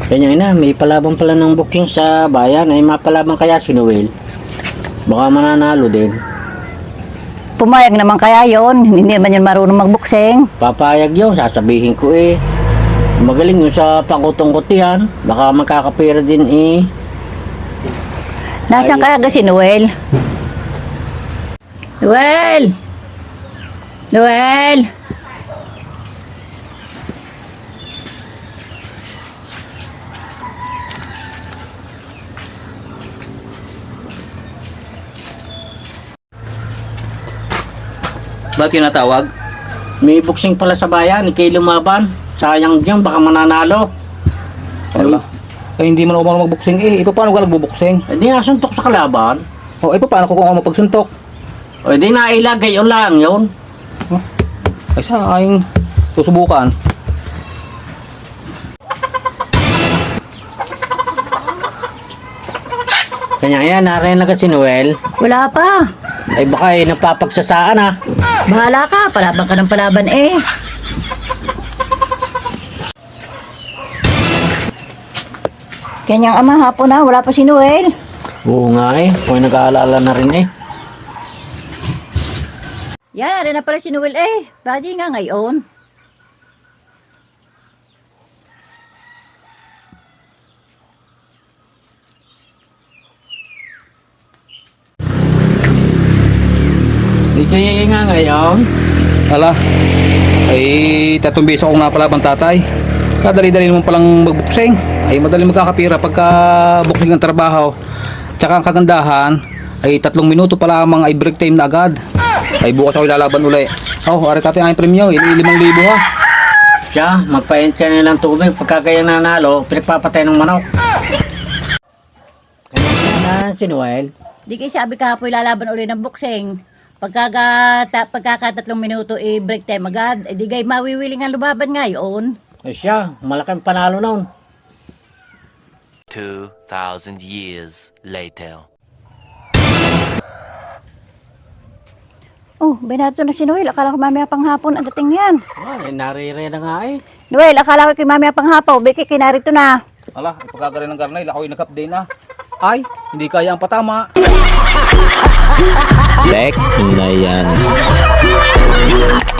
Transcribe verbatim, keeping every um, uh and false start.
Kanya na, may palaban pala ng booking sa bayan. Ay mapalaban kaya si Noel. Baka mananalo din. Pumayag naman kaya yon, hindi naman yun marunong magbuksing. Papayag yun, sasabihin ko eh. Magaling yun sa pangkutong-kutihan. Baka makakapira din eh. Nasaan Ay. kaya si Noel? Noel! Noel! Bakit yung natawag? May boxing pala sa bayan, ikay lumaban. Sayang dyan, baka mananalo. Wala. Eh, hindi man ako marunong magbuksing eh. Ipa paano ka nagbubuksing? Eh di nasuntok sa kalaban. O, ipa paano ko kung ako mapagsuntok? O di nailagay yun lang yun. Ay, sa aking susubukan. Kanya yan, narin na si Noel. Wala pa. Ay baka eh, napapagsasaan ah. Bahala ka, palaban ka ng palaban eh. Kanyang ama hapon na, wala pa si Noel. Oo nga eh, kung nag-aalala na rin eh. Yan, narin na pala si Noel eh. Badi nga ngayon. Di kaya nga ngayon. Ala, ay tatlong beses akong napalabang tatay. Kadali-dali naman palang magbuksing. Ay madali magkakapira pagka buksing ng trabaho. Tsaka ang kagandahan ay tatlong minuto pa lamang ay break time na agad. Ay bukas ako ilalaban uli. Oh, ari tatay ang premyo, limang libo ha. Siya, magpaint siya nilang tubig. Pagka kaya nanalo, pinagpapatay ng manok. Kanya na si Noel. Di kayo sabi kahapon lalaban uli ng boxing. Pagkaka, ta, pagkakatatlong minuto i-break time agad, eh di kayo mawiwiling ang lumaban ngayon. Eh siya, malaking panalo noon. Two thousand years later. Oh, binato na si Noel. Akala ko mamaya pang hapon ang dating niyan. Ah, eh, narire na nga eh. Noel, akala ko kay mamaya pang hapon. Biki, kinarito na. Ala, ipagkagarin ng garnay, ako'y nag-up day na. Ay, hindi kaya ang patama. Tek na yan.